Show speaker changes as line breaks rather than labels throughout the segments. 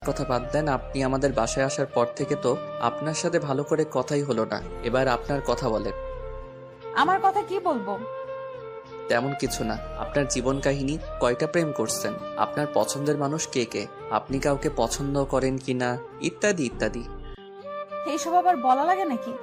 কথা বাদ দেন। আপনি আমাদের বাসায় আসার পর থেকে তো আপনার সাথে ভালো করে কথাই হলো না। এবার আপনার কথা বলেন।
আমার কথা কি বলবো?
তেমন কিছু না। আপনার জীবন কাহিনী, কয়টা প্রেম করছেন, আপনার পছন্দের মানুষ কে কে, আপনি কাউকে পছন্দ করেন কিনা, ইত্যাদি ইত্যাদি।
এইসব আবার বলা লাগে নাকি?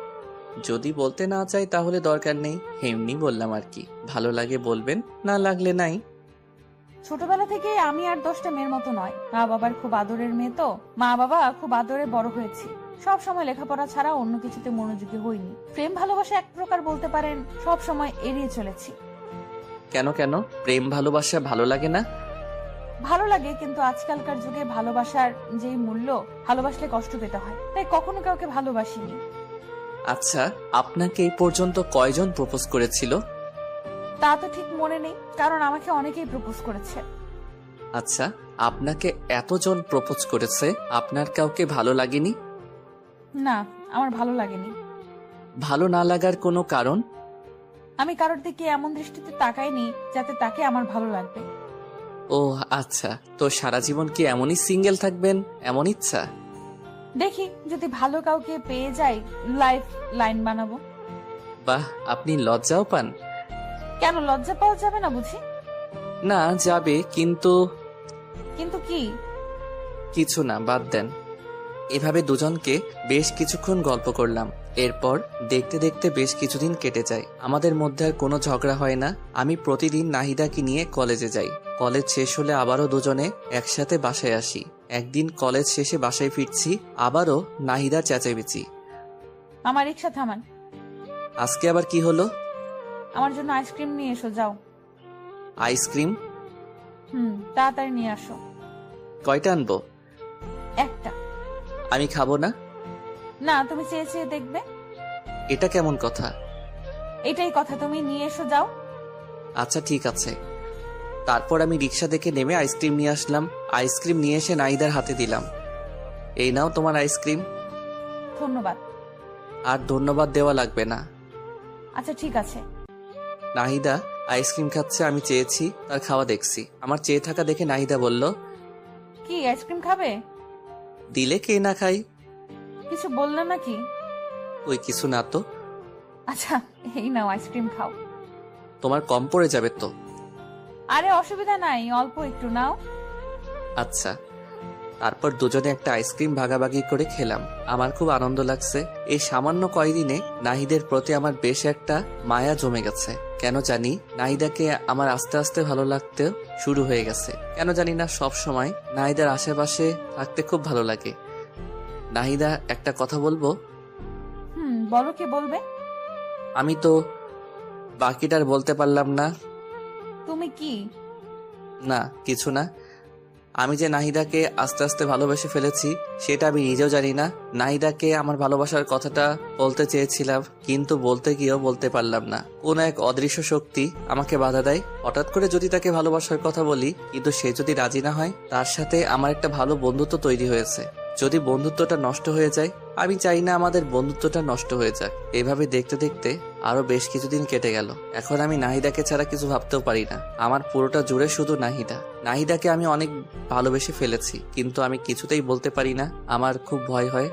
যদি বলতে না চাই তাহলে দরকার নেই, এমনি বললাম আর কি। ভালো লাগে বলবেন, না লাগলে নাই।
ছোটবেলা থেকে আমি আর 10টা মেয়ের মতো নয়। মা বাবার খুব আদরের মেয়ে তো। মা বাবা খুব আদরে বড় হয়েছি। সব সময় লেখাপড়া ছাড়া অন্য কিছুতে মনোযোগী হইনি। প্রেম ভালোবাসা এক প্রকার বলতে পারেন সব সময় এড়িয়ে চলেছি।
কেন কেন প্রেম ভালোবাসা ভালো লাগে না?
ভালো লাগে, কিন্তু আজকালকার যুগে ভালোবাসার যেই মূল্য, ভালোবাসলে কষ্ট পেতে হয়, তাই কখনো কাউকে ভালোবাসিনি।
আচ্ছা, আপনাকে এই পর্যন্ত কয়জন প্রপোজ করেছিল?
তা তো ঠিক মনে নেই, কারণ আমাকে অনেকেই প্রপোজ করেছে।
আচ্ছা, আপনাকে এতজন প্রপোজ করেছে, আপনার কাউকে ভালো লাগেনি?
না, আমার ভালো লাগেনি।
ভালো না লাগার কোনো কারণ?
আমি কারোর দিকে এমন দৃষ্টিতে তাকাইনি যাতে তাকে আমার ভালো লাগবে।
ও আচ্ছা, তো সারা জীবন কি এমনই সিঙ্গেল থাকবেন, এমন ইচ্ছা?
দেখি যদি ভালো কাউকে পেয়ে যাই, লাইফ লাইন বানাবো।
বাহ, আপনি লজ্জাও পান?
কেন, লজ্জা পাওয়া যাবে না বুঝি?
না, যাবে, কিন্তু
কিন্তু কি?
কিছু না, বাদ দেন। এভাবে দুজনকে বেশ কিছুক্ষণ গল্প করলাম। এরপর দেখতে দেখতে বেশ কিছুদিন কেটে যায়। আমাদের মধ্যে আর কোনো ঝগড়া হয় না। আমি প্রতিদিন নাহিদাকে নিয়ে কলেজে যাই। কলেজ শেষ হলে আবারও দুজনে একসাথে বাসায় আসি। একদিন কলেজ শেষে বাসায় ফিরছি, আবারও নাহিদা চেঁচামেচি।
আমার রিক্সা থামান।
আজকে আবার কি হলো?
আমার জন্য আইসক্রিম নিয়ে এসো, যাও।
আইসক্রিম?
তাড়াতাড়ি নিয়ে আসো।
কয়টা আনবো?
একটা।
আমি খাবো না।
না, তুমি চেয়ে চেয়ে দেখবে।
এটা কেমন কথা?
এটাই কথা, তুমি নিয়ে এসো, যাও।
আচ্ছা ঠিক আছে। তারপর আমি রিক্সা থেকে নেমে আইসক্রিম নিয়ে আসলাম। আইসক্রিম নিয়ে এসে নাহিদার হাতে দিলাম। এই নাও তোমার আইসক্রিম।
ধন্যবাদ।
আর ধন্যবাদ দেওয়া লাগবে না।
আচ্ছা ঠিক আছে।
নাহিদা আইসক্রিম খাচ্ছে, আমি চেয়েছি, তার খাওয়া দেখছি। আমার চেয়ে থাকা দেখে নাহিদা বলল,
কি আইসক্রিম খাবে?
দিলে কে না খাই।
কিছু বললে নাকি?
ওই কিছু না তো।
আচ্ছা, এই নাও আইসক্রিম খাও।
তোমার কম পড়ে যাবে তো।
আরে অসুবিধা নাই, অল্প একটু নাও।
আচ্ছা। তারপর দুজনে একটা আইসক্রিম ভাগাভাগি করে খেলাম। আমার খুব আনন্দ লাগছে। এই সামান্য কয়দিনে নাহিদের প্রতি আমার বেশ একটা মায়া জমে গেছে। কেন জানি নাহিদাকে আমার আস্তে আস্তে ভালো লাগতে শুরু হয়ে গেছে। কেন জানি না, সব সময় নাহিদার আশেপাশে থাকতে খুব ভালো লাগে। নাহিদা, একটা কথা বলবো?
বলো, কি বলবে?
আমি তো বাকিটার বলতে পারলাম না।
তুমি কি?
না, কিছু না। আমি যে নাহিদাকে আস্তে আস্তে ভালোবেসে ফেলেছি সেটা আমি নিজেও জানি না। নাহিদাকে আমার ভালোবাসার কথাটা বলতে চেয়েছিলাম, কিন্তু বলতে গিয়েও বলতে পারলাম না। কোন এক অদৃশ্য শক্তি আমাকে বাধা দেয়। হঠাৎ করে যদি তাকে ভালোবাসার কথা বলি, কিন্তু সে যদি রাজি না হয়, তার সাথে আমার একটা ভালো বন্ধুত্ব তৈরি হয়েছে। যদি বন্ধুত্বটা নষ্ট হয়ে যায়, আমি চাই না আমাদের বন্ধুত্বটা নষ্ট হয়ে যাক। এভাবে দেখতে দেখতে আরো বেশ কিছুদিন কেটে গেল। এখন আমি নাহিদাকে ছাড়া কিছু ভাবতেও পারি না। আমার পুরোটা জুড়ে শুধু নাহিদা। নাহিদাকে আমি অনেক ভালোবেসে ফেলেছি, কিন্তু আমি কিছুতেই বলতে পারি না। আমার খুব ভয় হয়।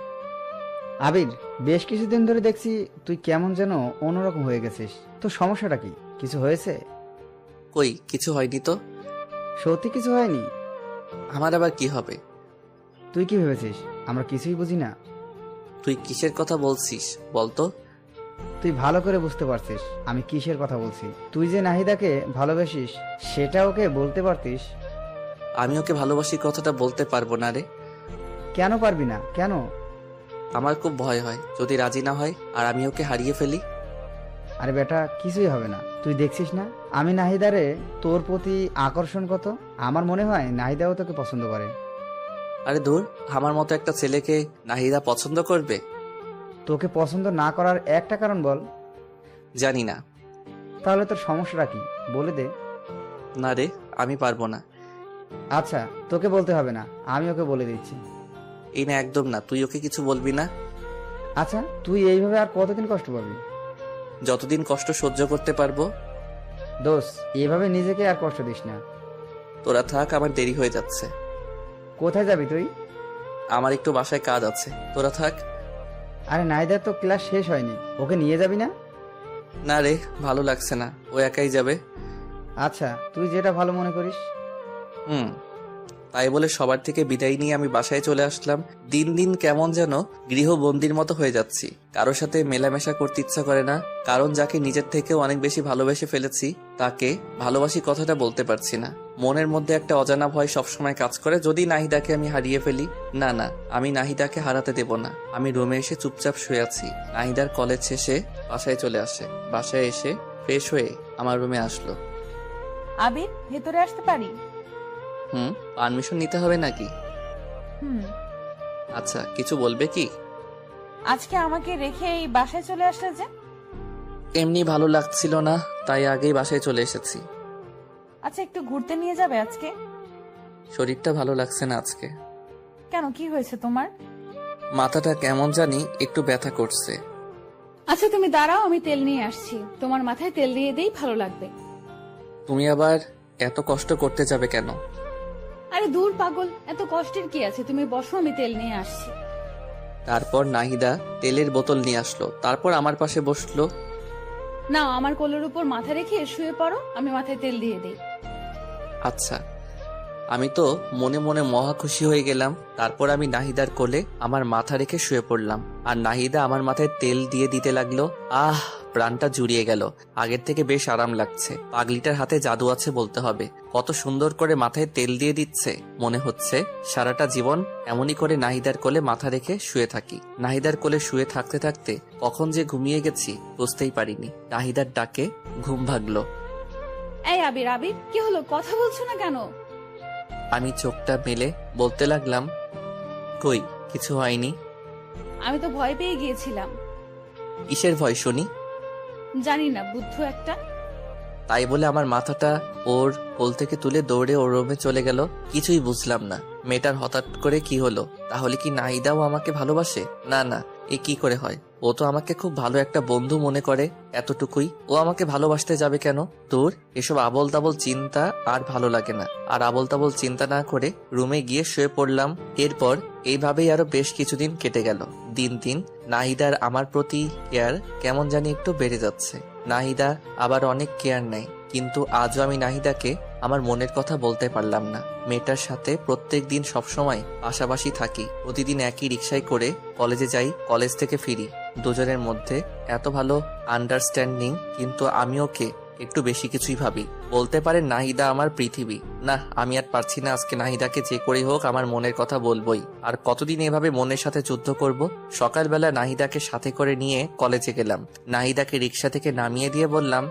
আবির, বেশ কিছুদিন ধরে দেখছি তুই কেমন যেন অন্যরকম হয়ে গেছিস। তো সমস্যাটা কি? কিছু হয়েছে?
কই, কিছু হয়নি তো।
সত্যি কিছু হয়নি?
আমার আবার কি হবে?
তুই কি ভেবেছিস আমরা কিছুই বুঝি না?
তুই কিসের কথা বলছিস বলতো?
তুই ভালো করে বুঝতে পারছিস আমি কিসের কথা বলছি। তুই যে নাহিদাকে ভালোবাসিস সেটা ওকে বলতে পারতিস।
আমি ওকে ভালোবাসি কথাটা বলতে পারবো না রে।
কেন পারবি না? কেন?
আমার খুব ভয় হয় যদি রাজি না হয় আর আমি ওকে হারিয়ে ফেলি।
আরে বেটা, কিছুই হবে না। তুই দেখছিস না আমি নাহিদারে তোর প্রতি আকর্ষণ কত। আমার মনে হয় নাহিদাও তোকে পছন্দ করে।
আরে দূর, আমার মতো একটা ছেলেকে নাহিদা পছন্দ করবে?
তোকে পছন্দ না করার একটা কারণ বল।
জানি না।
তাহলে তোর সমস্যাটা কি বলে দে।
না রে, আমি পারবো না।
আচ্ছা, তোকে বলতে হবে না, আমি ওকে বলে দিচ্ছি।
এই না, একদম না। তুই ওকে কিছু বলবি না।
আচ্ছা, তুই এইভাবে আর কতদিন কষ্ট পাবি?
যতদিন কষ্ট সহ্য করতে পারবো।
দোষ, এইভাবে নিজেকে আর কষ্ট দিস না।
তোরা থাক, আমার দেরি হয়ে যাচ্ছে।
কোথায় যাবি তুই?
আমার একটু বাসায় কাজ আছে, তোরা থাক।
আরে নাহিদার তো ক্লাস শেষ হয়নি, ওকে নিয়ে যাবি না?
না রে, ভালো লাগছে না, ও একাই যাবে।
আচ্ছা, তুই যেটা ভালো মনে করিস।
হুম। তাই বলে সবার থেকে বিদায় নিয়ে আমি বাসায় চলে আসলাম। দিন দিন কেমন যেন গৃহবন্দির মতো হয়ে যাচ্ছি। কারোর সাথে মেলামেশা করতে ইচ্ছা করে না, কারণ যাকে নিজের থেকেও অনেক বেশি ভালোবেসে ফেলেছি তাকে ভালোবাসি কথাটা বলতে পারছি না। মনের মধ্যে একটা অজানা ভয় সবসময় কাজ করে, যদি নাহিদাকে আমি হারিয়ে ফেলি। না না, আমি নাহিদাকে হারাতে দেব না। আমি রুমে এসে চুপচাপ শুয়ে আছি। নাহিদার কলেজ শেষে বাসায় চলে আসে। বাসায় এসে ফ্রেশ হয়ে আমার রুমে আসলো।
আবির, ভেতরে আসতে পারি?
পারমিশন নিতে হবে নাকি?
হুম।
আচ্ছা, কিছু বলবে কি?
আজকে আমাকে রেখে এই বাসায় চলে আসলে যে?
এমনি ভালো লাগছিল না, তাই আগেই বাসায় চলে এসেছি।
আচ্ছা, একটু ঘুরতে নিয়ে যাবে আজকে?
শরীরটা ভালো লাগছে না আজকে।
কেন, কি হয়েছে তোমার?
মাথাটা কেমন জানি একটু ব্যথা করছে।
আচ্ছা তুমি দাঁড়াও, আমি তেল নিয়ে আসছি, তোমার মাথায় তেল দিয়ে দেই, ভালো লাগবে।
তুমি আবার এত কষ্ট করতে যাবে কেন?
আরে দূর পাগল, এত কষ্টের কি আছে, তুমি বসো, আমি তেল নিয়ে আসছি।
তারপর নাহিদা তেলের বোতল নিয়ে আসলো, তারপর আমার পাশে বসলো।
না, আমার কোলের উপর মাথা রেখে শুয়ে পড়ো, আমি মাথায় তেল দিয়ে দেই।
আচ্ছা। আমি তো মনে মনে মহা খুশি হয়ে গেলাম। তারপর আমি নাহিদার কোলে আমার মাথা রেখে শুয়ে পড়লাম, আর নাহিদা আমার মাথায় তেল দিয়ে দিতে লাগলো। আহ, প্রাণটা জুড়িয়ে গেল। আগের থেকে বেশ আরাম লাগছে। পাগলিটার হাতে জাদু আছে বলতে হবে। কত সুন্দর করে মাথায় তেল দিয়ে দিচ্ছে। মনে হচ্ছে সারাটা জীবন এমনই করে নাহিদার কোলে মাথা রেখে শুয়ে থাকি। নাহিদার কোলে শুয়ে থাকতে থাকতে কখন যে ঘুমিয়ে গেছি বুঝতেই পারিনি। নাহিদার ডাকে ঘুম ভাগলো।
এই আবির, আবির, কি হলো, কথা বলছো না কেন?
আমি চোখটা মেলে বলতে লাগলাম, কই কিছু হয়নি।
আমি তো ভয় পেয়ে গিয়েছিলাম।
কিসের ভয় শুনি?
জানি না, বুদ্ধ একটা।
তাই বলে আমার মাথাটা ওর কোল থেকে তুলে দৌড়ে ওর রুমে চলে গেল। কিছুই বুঝলাম না মেয়েটার হঠাৎ করে কি হলো। তাহলে কি নাহিদাও আমাকে ভালোবাসে? না না, এ কি করে হয়? ও তো আমাকে খুব ভালো একটা বন্ধু মনে করে, এতটুকুই। ও আমাকে ভালোবাসতে যাবে কেন? দূর, এসব আবল তাবল চিন্তা আর ভালো লাগে না। আর আবল তাবল চিন্তা না করে রুমে গিয়ে শুয়ে পড়লাম। এরপর এইভাবেই আরো বেশ কিছুদিন কেটে গেল। দিন দিন নাহিদার আমার প্রতি কেয়ার কেমন জানি একটু বেড়ে যাচ্ছে। নাহিদা আবার অনেক কেয়ার নেয়, কিন্তু আজও আমি নাহিদাকে আমার মনের কথা বলতে পারলাম না। মেয়েটার সাথে প্রত্যেক দিন সবসময় পাশাপাশি থাকি। প্রতিদিন একই রিক্সায় করে কলেজে যাই, কলেজ থেকে ফিরি। দুজনের মধ্যে এত ভালো আন্ডারস্ট্যান্ডিং, কিন্তু আমি ওকে একটু বেশি কিছুই ভাবি। বলতে পারে নাহিদা আমার পৃথিবী। না, আমি আর পারছি না। আজকে নাহিদাকে যে করেই হোক আমার মনের কথা বলবোই। আর কতদিন এভাবে মনের সাথে যুদ্ধ করব? সকালবেলা নাহিদাকে সাথে করে নিয়ে কলেজে গেলাম। নাহিদাকে রিক্সা থেকে নামিয়ে দিয়ে বললাম,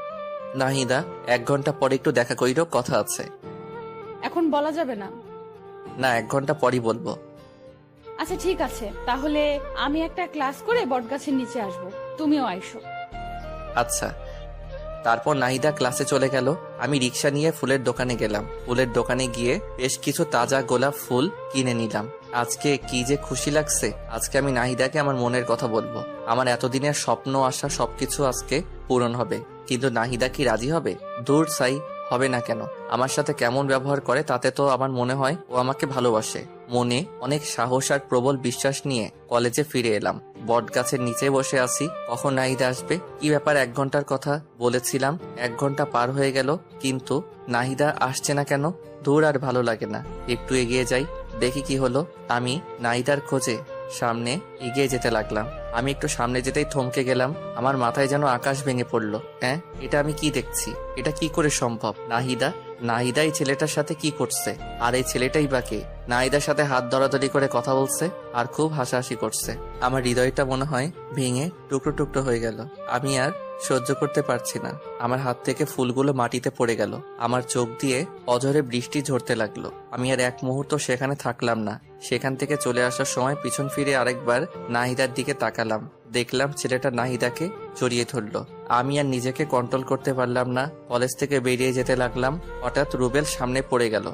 নাহিদা 1 ঘন্টা পরে একটু দেখা করিরো, কথা আছে।
এখন বলা যাবে না।
না, 1 ঘন্টা পরই বলবো।
আচ্ছা ঠিক আছে, তাহলে আমি একটা ক্লাস করে বটগাছের নিচে আসব, তুমিও আইসো।
আচ্ছা। তারপর নাহিদা ক্লাসে চলে গেল। আমি রিক্সা নিয়ে ফুলের দোকানে গেলাম। ফুলের দোকানে গিয়ে বেশ কিছু তাজা গোলাপ ফুল কিনে নিলাম। আজকে কি যে খুশি লাগছে। আজকে আমি নাহিদাকে আমার মনের কথা বলবো। আমার এতদিনের স্বপ্ন আশা সবকিছু আজকে পূরণ হবে। কিন্তু নাহিদা কি রাজি হবে? দূর সাই, হবে না কেন? আমার সাথে কেমন ব্যবহার করে তাতে তো আমার মনে হয় ও আমাকে ভালোবাসে। মনে অনেক সাহস আর প্রবল বিশ্বাস নিয়ে কলেজে ফিরে এলাম। বট গাছের নিচে বসে আছি, কখন নাহিদা আসবে। কি ব্যাপার, 1 ঘন্টার কথা বলেছিলাম, 1 ঘন্টা পার হয়ে গেল, কিন্তু নাহিদা আসছে না কেন? দূর, আর ভালো লাগে না। একটু এগিয়ে যাই, দেখি কি হলো। আমি নাহিদার খোঁজে সামনে এগিয়ে যেতে লাগলাম। আমি একটু সামনে যেতেই থমকে গেলাম। আমার মাথায় যেন আকাশ ভেঙে পড়লো। হ্যাঁ, এটা আমি কি দেখছি? এটা কি করে সম্ভব? নাহিদা এই ছেলেটার সাথে কি করছে? আর এই ছেলেটাই বা কে? নাহিদার সাথে হাত ধরাধরি করে কথা বলছে আর খুব হাসাহাসি করছে। আমার হৃদয়টা মনে হয় ভেঙে টুকরো টুকরো হয়ে গেল। আমি আর সহ্য করতে পারছি না। আমার হাত থেকে ফুলগুলো মাটিতে পড়ে গেল। আমার চোখ দিয়ে অঝরে বৃষ্টি ঝরতে লাগলো। আমি আর এক মুহূর্ত সেখানে থাকলাম না। সেখান থেকে চলে আসার সময় পিছন ফিরে আরেকবার নাহিদার দিকে তাকালাম। দেখলাম ছেলেটা নাহিদাকে জড়িয়ে ধরলো। আমি আর নিজেকে কন্ট্রোল করতে পারলাম না। কলেজ থেকে বেরিয়ে যেতে লাগলাম। হঠাৎ রুবেল সামনে পড়ে গেল।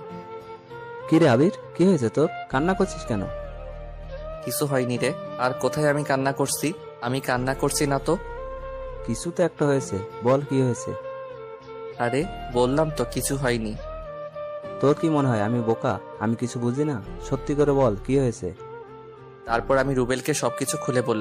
কি রে আবির, কি হয়েছে তোর? কান্না করছিস কেন?
কিছু হয়নি রে। আর কোথায় আমি কান্না করছি? আমি কান্না করছি না তো।
কিছু তো একটা হয়েছে, বল কি হয়েছে?
আরে বললাম তো কিছু হয়নি।
তোর কি মনে হয় আমি বোকা? আমি কিছু বুঝি না? সত্যি করে বল, কি হয়েছে?
তারপর আমি রুবেলকে সবকিছু খুলে বললাম।